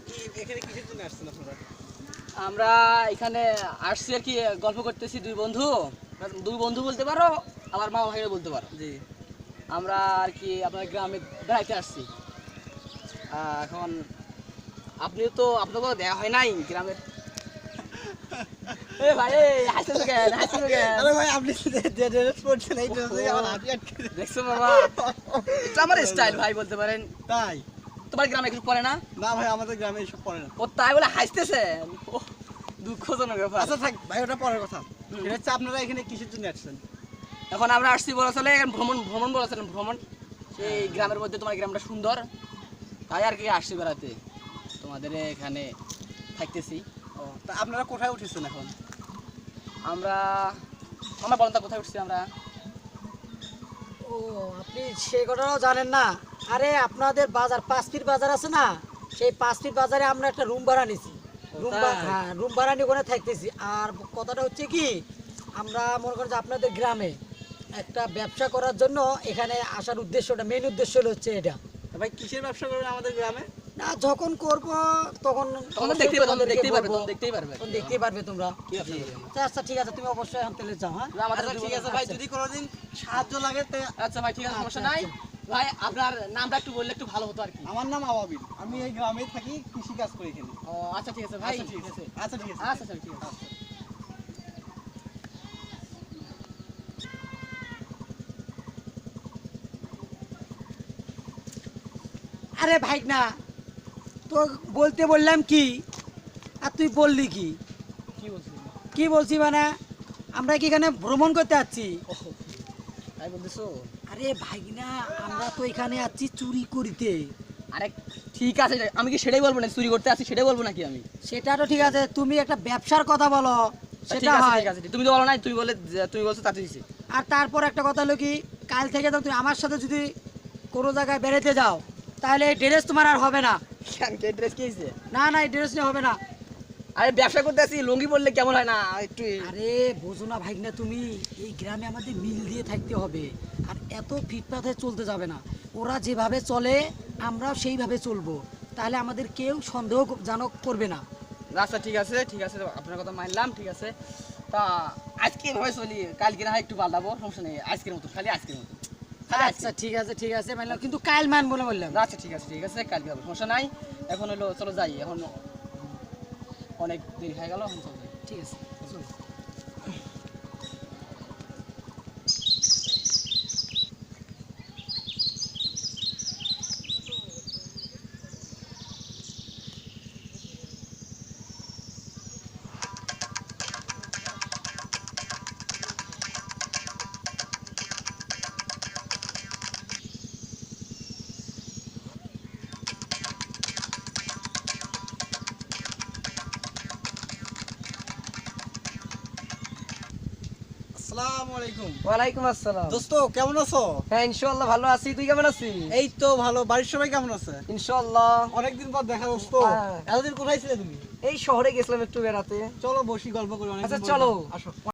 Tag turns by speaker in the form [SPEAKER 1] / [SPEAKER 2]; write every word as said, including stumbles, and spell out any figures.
[SPEAKER 1] এখানে কিসের জন্য আসছেন আপনারা?
[SPEAKER 2] আমরা এখানে আসছি আর কি গল্প করতেছি দুই বন্ধু দুই বন্ধু বলতে পারো আমার মা ভাইও বলতে পারো।
[SPEAKER 1] জি,
[SPEAKER 2] আমরা আর কি আপনার গ্রামে বেড়াইতে আসছি। আহ, এখন আপনিও তো আপনাকেও দেওয়া হয় নাই গ্রামের। এ ভাই এই হাসতেছো কেন হাসতেছো কেন?
[SPEAKER 1] আরে ভাই আপনি যে ড্রেস পরছেন এই ড্রেসে আমার হাঁটি আটকে যায়।
[SPEAKER 2] দেখছো বাবা, এটা আমার স্টাইল ভাই বলতে পারেন।
[SPEAKER 1] তাই?
[SPEAKER 2] তোমার গ্রামে কিছু পড়ে না?
[SPEAKER 1] না ভাই আমাদের গ্রামে এসব পড়ে না।
[SPEAKER 2] ও তাই বলে হাসতেছেন, ওহ, দুঃখজনক ব্যাপার।
[SPEAKER 1] আচ্ছা থাক ভাই, ওটা পরের কথা। এটা হচ্ছে আপনারা এখানে কিসের জন্য আসছেন?
[SPEAKER 2] এখন আমরা আসছি বলা চলে এখন ভ্রমণ ভ্রমণ বলা চলে ভ্রমণ। সেই গ্রামের মধ্যে তোমার গ্রামটা সুন্দর, তাই আর কি আসছি বেড়াতে, তোমাদের এখানে থাকতেছি।
[SPEAKER 1] ও তা আপনারা কোথায় উঠেছেন এখন?
[SPEAKER 2] আমরা আমরা বলেন তা কোথায় উঠছি আমরা?
[SPEAKER 3] ও আপনি সেই কথাটাও জানেন না? আরে আপনাদের বাজার পাঁচ ফিট বাজার আছে না, সেই পাঁচ ফিট বাজারে আমরা একটা রুম ভাড়া নিছি। রুম
[SPEAKER 1] তাই?
[SPEAKER 3] হ্যাঁ রুম ভাড়া নিয়ে ওখানে থাকতেছি। আর কথাটা হচ্ছে কি, আমরা মনে করেন যে আপনাদের গ্রামে একটা ব্যবসা করার জন্য এখানে আসার উদ্দেশ্যটা, মেইন উদ্দেশ্য হলো হচ্ছে এটা।
[SPEAKER 1] তা ভাই কিসের ব্যবসা করবেন আমাদের গ্রামে?
[SPEAKER 3] না যখন করব তখন
[SPEAKER 2] তখন
[SPEAKER 3] অবশ্যই
[SPEAKER 2] দেখতেই পারবে,
[SPEAKER 3] তোমাদেরকে
[SPEAKER 2] দেখতেই পারবে,
[SPEAKER 3] বলবো।
[SPEAKER 2] তখন দেখতেই পারবে।
[SPEAKER 3] তখন দেখতেই পারবে তোমরা।
[SPEAKER 2] কি ব্যবসা করবে?
[SPEAKER 3] আচ্ছা, আচ্ছা ঠিক আছে, তুমি অবশ্যই এখন তেলে যাও। হ্যাঁ
[SPEAKER 2] আমাদের
[SPEAKER 1] আচ্ছা ঠিক আছে ভাই, যদি কোনোদিন সাহায্য লাগে তো।
[SPEAKER 2] আচ্ছা ভাই ঠিক আছে, সমস্যা
[SPEAKER 3] আচ্ছা,
[SPEAKER 2] নাই। ভাই আপনার নামটা একটু বললে একটু ভালো হতো আর কি।
[SPEAKER 1] আমার নাম আবাবিল, আমি এই গ্রামে থাকি, কৃষি কাজ করি এখানে।
[SPEAKER 2] ও আচ্ছা ঠিক আছে ভাই,
[SPEAKER 1] আচ্ছা ঠিক আছে, আচ্ছা ঠিক আছে,
[SPEAKER 2] আচ্ছা ঠিক আছে।
[SPEAKER 3] আরে ভাই না, তো বলতে বললাম কি আর তুই বললি কি?
[SPEAKER 2] কি বলছিস?
[SPEAKER 3] কি বলছি মানে, আমরা কি এখানে ভ্রমণ করতে যাচ্ছি?
[SPEAKER 2] তাই বলতেছো?
[SPEAKER 3] আরে ভাই না, আমরা তো এখানে আছি চুরি করিতে।
[SPEAKER 2] আরে ঠিক আছে, আমি কি সেটাই বলবো না চুরি করতে আসি সেটাই বলবো নাকি আমি?
[SPEAKER 3] সেটা তো ঠিক আছে, তুমি একটা ব্যবসার কথা বলো
[SPEAKER 2] ঠিক
[SPEAKER 3] সেটা
[SPEAKER 2] আছে
[SPEAKER 3] হয়।
[SPEAKER 2] ঠিক আছে, তুমি তো বলো নাই, তুমি বলে তুমি বলছো তাতে দিছি।
[SPEAKER 3] আর তারপর একটা কথা হলো কি, কাল থেকে তো তুমি আমার সাথে যদি কোনো জায়গায় বেড়াতে যাও তাহলে এই ড্রেস তোমার আর হবে না।
[SPEAKER 2] কেন কে ড্রেস কি হইছে?
[SPEAKER 3] না না, এই ড্রেস নিয়ে হবে না।
[SPEAKER 2] আরে ব্যবসা করতে আসি, লুঙ্গি পরলে কেমন হয় না একটু?
[SPEAKER 3] আরে বোঝো না ভাই না, তুমি এই গ্রামে আমাদের মিল দিয়ে থাকতে হবে। আর এত ফিটপাথে চলতে যাবে না। ওরা যেভাবে চলে আমরাও সেইভাবে চলবো, তাহলে আমাদের কেউ সন্দেহজনক করবে না।
[SPEAKER 2] আচ্ছা ঠিক আছে ঠিক আছে, আপনার কথা মানলাম, ঠিক আছে। তা আজকে এভাবে চলি, কালকে না হয় একটু পাল্টাবো, সমস্যা নেই, আজকের মতো খালি আজকের মতো খালি আজকে।
[SPEAKER 3] আচ্ছা ঠিক আছে ঠিক আছে মানলাম, কিন্তু কাল মানবো না বললাম।
[SPEAKER 2] আচ্ছা ঠিক আছে ঠিক আছে, কালকে হবে, সমস্যা নাই। এখন হলো চলো যাই, এখন অনেক দেরি হয়ে গেল, এখন চলো যাই।
[SPEAKER 3] ঠিক আছে চলো।
[SPEAKER 1] আসসালামু আলাইকুম।
[SPEAKER 2] ওয়ালাইকুম আসসালাম।
[SPEAKER 1] দোস্ত কেমন আছো?
[SPEAKER 2] হ্যাঁ ইনশাআল্লাহ ভালো আছি, তুই কেমন আছিস?
[SPEAKER 1] এই তো ভালো, বাড়ির সবাই কেমন আছে?
[SPEAKER 2] ইনশাআল্লাহ।
[SPEAKER 1] অনেকদিন পর দেখা দোস্ত।
[SPEAKER 2] হ্যাঁ।
[SPEAKER 1] এতদিন কোথায় ছিলে তুমি?
[SPEAKER 2] এই শহরে গেছিলাম একটু বেড়াতে।
[SPEAKER 1] চলো বসি, গল্প করি, অনেক
[SPEAKER 2] আচ্ছা চলো।
[SPEAKER 1] আসো।